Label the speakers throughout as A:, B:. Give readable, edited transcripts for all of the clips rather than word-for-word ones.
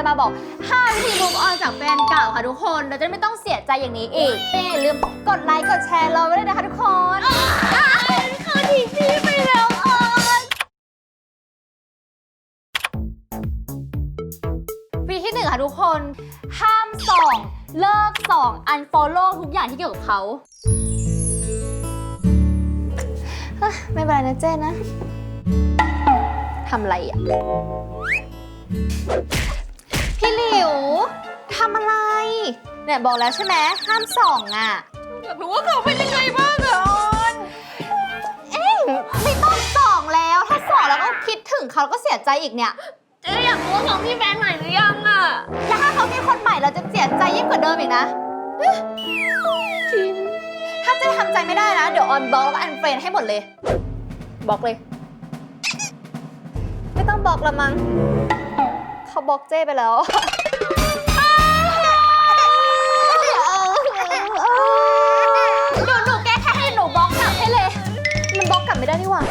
A: มาบอก5 วิธี move on จากแฟนเก่าค่ะทุกคนเราจะไม่ต้องเสียใจอย่างนี้อีกอย่าลืมกดไลค์กดแชร์เราไว้ด้วยนะคะทุกคนเขาทิ้งพี่ไปแล้ววิธีที่ 1ค่ะทุกคนห้ามส่องเลิกส่อง unfollow ทุกอย่างที่เกี่ยวกับเขาไม่เป็นไรนะเจ้นะทำอะไรอ่ะพี่หลิวทำอะไรเนี่ยบอกแล้วใช่ไหมห้ามส่องอ่ะอยากรู้ว่าเขาเป็นยังไงบ้างอ่ะไม่ต้องส่องแล้วถ้าส่องแล้วก็คิดถึงเขาก็เสียใจอีกเนี่ยเจ๊อยากรู้ว่าเขามีแฟนใหม่หรือยังอ่ะแล้วถ้าเขามีคนใหม่เราจะเสียใจยิ่งกว่าเดิมอีกนะจริงถ้าเจ๊ทำใจไม่ได้นะเดี๋ยวออนบล็อกแล้วอันเฟรนให้หมดเลยบล็อกเลยไม่ต้องบล็อกละมั้งเขาบล็อกเจ้ไปแล้วหนูแก้แค่ให้หนูบล็อกกลับให้เลยมันบล็อกกลับไม่ได้นี่หว่า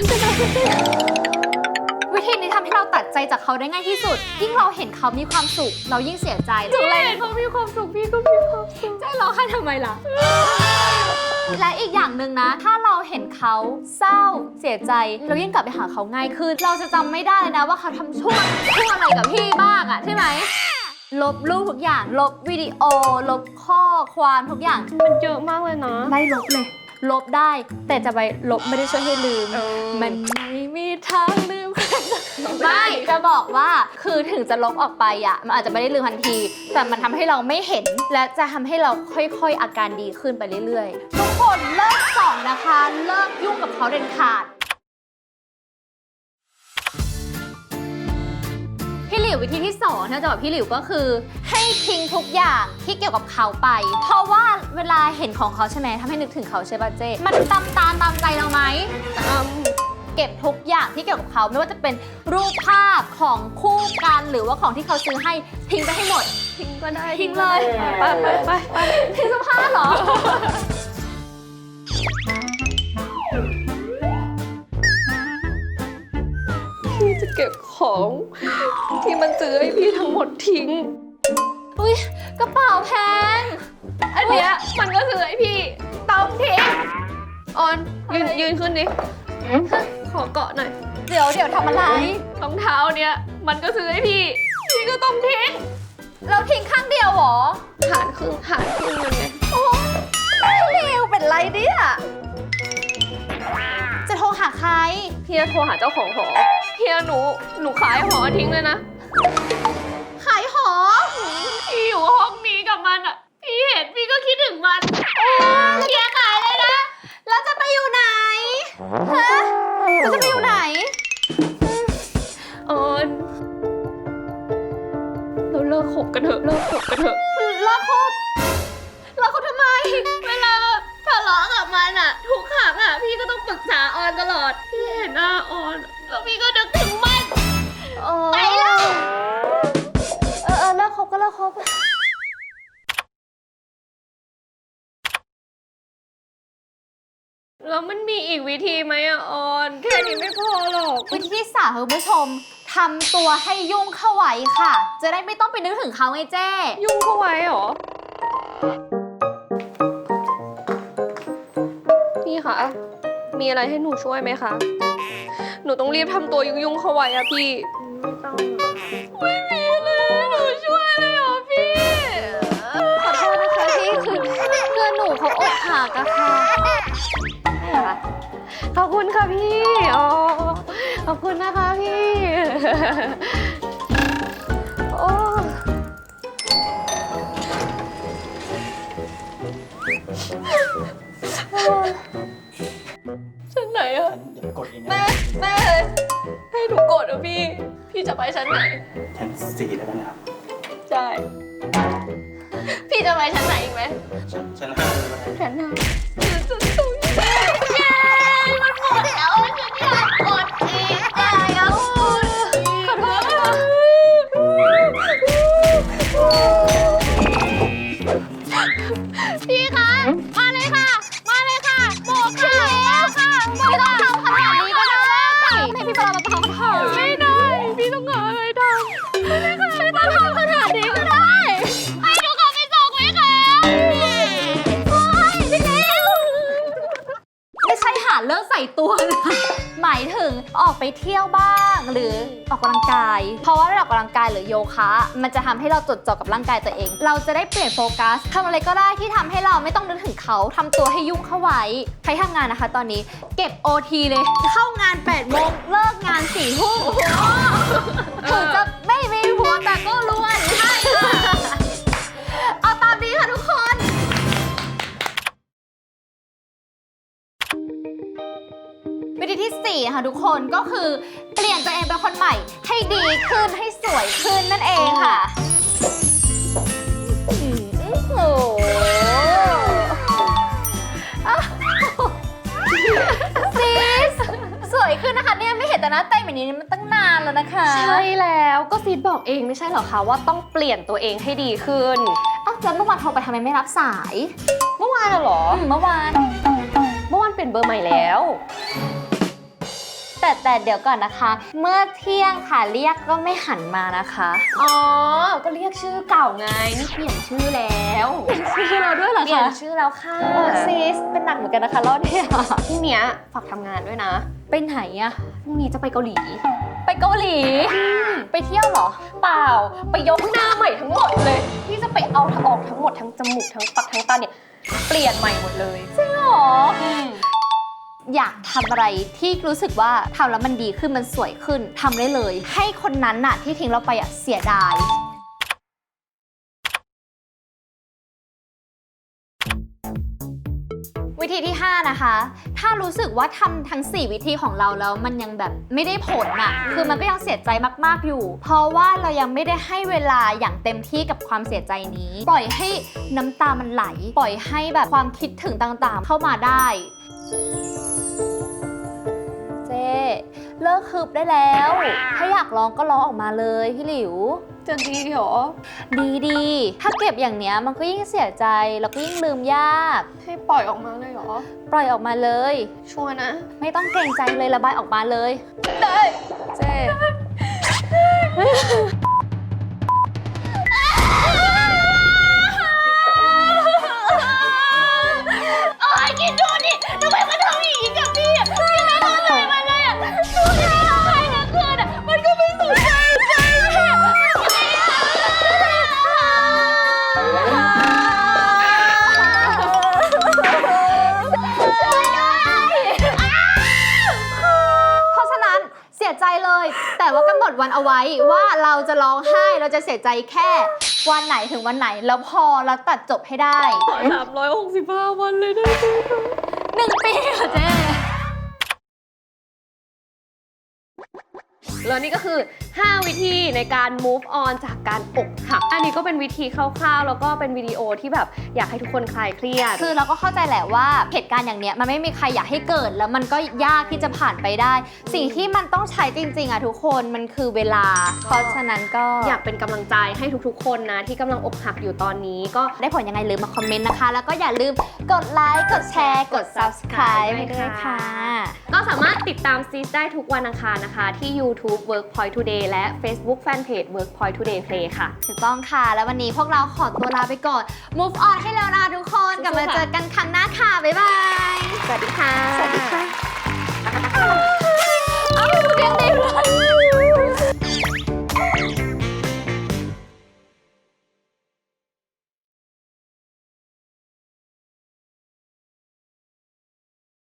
A: วิธีนี้ทำให้เราตัดใจจากเขาได้ง่ายที่สุดยิ่งเราเห็นเขามีความสุขเรายิ่งเสียใจถึงเลยเขามีความสุขพี่ก็มีความสุขใจร้องไห้ทำไมล่ะและอีกอย่างหนึ่งนะถ้าเราเห็นเขาเศร้าเสียใจเรายิ่งกลับไปหาเขาง่ายขึ้นเราจะจำไม่ได้เลยนะว่าเขาทำชั่วอะไรกับพี่บ้างอะใช่ไหมลบรูปทุกอย่างลบวิดีโอลบข้อความทุกอย่าง
B: มันเยอะมากเลยนะ
A: ไล่ลบเลยลบได้แต่จะไปลบไม่ได้ช่วยให้ลืมมันไม่มีทางลืมไม่จะบอกว่าคือถึงจะลบออกไปอ่ะมันอาจจะไม่ได้ลืมทันทีแต่มันทำให้เราไม่เห็นและจะทำให้เราค่อยๆอาการดีขึ้นไปเรื่อยๆทุกคนเลิกส่องนะคะเลิกยุ่งกับเขาเด็ดขาดพี่หลิววิธีที่2ที่จะบอกพี่หลิวก็คือให้ทิ้งทุกอย่างที่เกี่ยวกับเขาไปเพราะว่าเวลาเห็นของเขาใช่ไหมทำให้นึกถึงเขาใช่ป่ะเจ๊มันตามใจเราไหมเก็บทุกอย่างที่เกี่ยวกับเขาไม่ว่าจะเป็นรูปภาพของคู่กันหรือว่าของที่เขาซื้อให้ทิ้งไปให้หมด
B: ทิ้งก็ได้
A: ทิ้งเลยไปทิ้งเสื้อผ้าเหรอ
B: พี่จะเก็บของที่มันซื้อให้พี่ทั้งหมดทิ้ง
A: อุ้ยกระเป๋าแพง
B: อันเนี้ยมันก็ซื้อให้พี่ต้องทิ้งออนยืนขึ้นดิขอเกาะหน่อย
A: เดี๋ยวทำอะไร
B: รองเท้าเนี้ยมันก็ซื้อให้พี่ก็ต้องทิ้ง
A: เราทิ้งข้างเดียวเหรอ
B: หารครึ่งมันไง
A: โอ้เร็วเป็นไรเนี่ยจะโทรหาใคร
B: พี่จะโทรหาเจ้าของหอพี่หนูขายหอทิ้งเลยนะ
A: ขายหอ
B: พี่อยู่ห้องนี้กับมันอ่ะพี่เห็นพี่ก็คิดถึงมัน
A: พี่ขายเลยนะแล้วจะไปอยู่ไหนฮะเราจะไปอยู่ไหน
B: ออนเราเลิกคบกันเถอะ
A: เลิกคบทำไมเวลา
B: ทะเลาะกับมันอ่ะทุกครั้งอ่ะพี่ก็ต้องปรึกษาออนตลอดพี่เห็นหน้าออนแล้วพี่ก็นึกถึงมัน
A: ไปแล้วเลิกคบก็เลิกคบ
B: แล้วมันมีอีกวิธีไหมอ่ะออนแค่นี้ไม่พอหรอก
A: วิธีที่3คุณผู้ชมทำตัวให้ยุ่งเข้าไว้ค่ะจะได้ไม่ต้องไปนึกถึงเขาไงเจ้
B: ยุ่งเข้าไว้เหรอพี่คะมีอะไรให้หนูช่วยไหมคะหนูต้องรีบทำตัวยุ่งเข้าไว้อะพี่ไม่มีเลยหนูช่วยเลยเหรอพี่
A: ขอโทษนะคะพี่คือเพื่อนหนูเขาอกหักอะค่ะ
B: ขอบคุณค่ะพี่อ๋อขอบคุณนะคะพี่โอ้ชั้นไหนอะแม่ให้หนูกดอะพี่จะไปชั้นไหน
C: ชั้น4แล้วกันนะครับ
B: ใช่พี่จะไปชั้นไหนอีกไหม
C: ชั้น5
B: ชั้น5ชั้นสูงเย้มันหมดแล้วฉันอยากกดอีกขอโทษค่ะพี่คะมาเลยค่ะบอกค่ะไม่ต้องทำขนาดนี้ก็ได้ให้พี่ปลามาทำไม่ได้พี่ต้องหาอะไรทำไม่ได้ค่ะไม่ต้องทำ
A: ตัวนะ หมายถึงออกไปเที่ยวบ้างหรือออกกำลังกาย เพราะว่าออกกำลังกายหรือโยคะมันจะทำให้เราจดจ่อกับร่างกายตัวเอง เราจะได้เปลี่ยนโฟกัสทำอะไรก็ได้ที่ทำให้เราไม่ต้องนึกถึงเขาทำตัวให้ยุ่งเข้าไว้ใครทำงานนะคะตอนนี้เก็บ OT เลยเข้างาน8 โมงเลิกงาน4 ทุ่มถึงจะไม่มีผัวแต่ก็รวยใช่ค่ะเอาตามนี้ค่ะทุกคน วิธีที่4นะคะทุกคนก็คือเปลี่ยนตัวเองเป็นคนใหม่ให้ดีขึ้นให้สวยขึ้นนั่นเองค่ะโอ้โหซีสสวยขึ้นนะคะเนี่ยไม่เห็นแต่หน้าเต้นแบบนี้มันตั้งนานแล้วนะคะ
B: ใช่แล้วก็ซีดบอกเองไม่ใช่เหรอคะว่าต้องเปลี่ยนตัวเองให้ดีขึ้น
A: อ้าวแล้วเมื่อวานโทรไปทำไมไม่รับสาย
B: เมื่อวานเหรอ
A: เมื่อวาน
B: เมื่อวานเปลี่ยนเบอร์ใหม่แล้ว
A: แต่เดี๋ยวก่อนนะคะ เมื่อเที่ยงค่ะเรียกก็ไม่หันมานะคะ
B: อ๋อ ก็เรียกชื่อเก่าไง นี่เปลี่ยนชื่อแล้ว
A: ชื่อเราด้วยเหรอ
B: เปลี่ยน
A: คะ
B: ชื่อแล้วค่ะ
A: โอ้ซีสเป็นหนักเหมือนกันนะคะรอบเนี่ย
B: พรุ่งเนี้ยฝากทำงานด้วยนะ
A: ไปไหนอะ
B: พรุ่งนี้จะไปเกาหลี
A: ไปเกาหลี ไปเที่ยวเหรอ
B: เปล่า ไปยกหน้าใหม่ทั้งหมดเลย ที่จะไปเอาออกทั้งหมดทั้งจมูกทั้งปากทั้งตาเนี่ยเปลี่ยนใหม่หมดเลย
A: จริงเหรอ อยากทำอะไรที่รู้สึกว่าทำแล้วมันดีขึ้นมันสวยขึ้นทำได้เลย ให้คนนั้นน่ะที่ทิ้งเราไปอะเสียดาย วิธีที่ 5 นะคะ ถ้ารู้สึกว่าทำทั้ง 4 วิธีของเราแล้วมันยังแบบไม่ได้ผลน่ะ คือมันก็ยังเสียใจมากๆอยู่ เพราะว่าเรายังไม่ได้ให้เวลาอย่างเต็มที่กับความเสียใจนี้ ปล่อยให้น้ำตามันไหล ปล่อยให้แบบความคิดถึงต่างๆ เข้ามาได้ เจ๊เลิกคืบได้แล้ว ถ้าอยากร้องก็ร้องออกมาเลยพี่หลิว
B: จะดีเหรอ
A: ดีถ้าเก็บอย่างเนี้ยมันก็ยิ่งเสียใจแล้วก็ยิ่งลืมยาก
B: ให้ปล่อยออกมาเลยเหรอ
A: ปล่อยออกมาเลย
B: ชัวร์นะ
A: ไม่ต้องเกรงใจเลยระบายออกมาเลย
B: ได้เจ๊
A: โอ้ยคิดดูดิทำไมมันทำอย่างนี้กับพี่อ่ะพี่ไม่เข้าใจมันเลยอ่ะดูที่เราทำให้ทั้งคืนอ่ะมันก็ไม่สนใจใจพี่เพราะฉะนั้นเสียใจเลย แต่ว่ากำหนดวันเอาไว้ว่าเราจะร้องไห้เราจะเสียใจแค่วันไหนถึงวันไหนแล้วพอแล้วตัดจบให้ได้
B: 365 วันเลยได้ไหม
A: 1 ปีค่ะเจ๊
B: แล้วนี่ก็คือ 5 วิธีในการ move on จากการอกหัก อันนี้ก็เป็นวิธีคร่าวๆ แล้วก็เป็นวิดีโอที่แบบอยากให้ทุกคนคลายเครียด
A: คือเราก็เข้าใจแหละว่าเหตุการณ์อย่างเนี้ยมันไม่มีใครอยากให้เกิดแล้วมันก็ยากที่จะผ่านไปได้ สิ่งที่มันต้องใช้จริงๆอ่ะทุกคนมันคือเวลา เพราะฉะนั้นก็
B: อยากเป็นกำลังใจให้ทุกๆ คนนะที่กำลังอกหักอยู่ตอนนี้ก็
A: ได้ผลยังไงลืมมาคอมเมนต์นะคะ แล้วก็อย่าลืมกดไลค์กดแชร์กด subscribe ให้ด้วยค่ะ
B: ก็สามารถติดตามซีสได้ทุกวันอังคารนะคะ ที่ YouTube Workpoint Today และ Facebook Fanpage Workpoint Today Play ค่ะ
A: ถูกต้องค่ะ แล้ววันนี้พวกเราขอตัวลาไปก่อน move on ให้แล้วนะทุกคนกลับมาเจอกันครั้งหน้าค่ะ บ๊ายบาย
B: สวัสดีค่ะ
A: สวัสดีค่ะ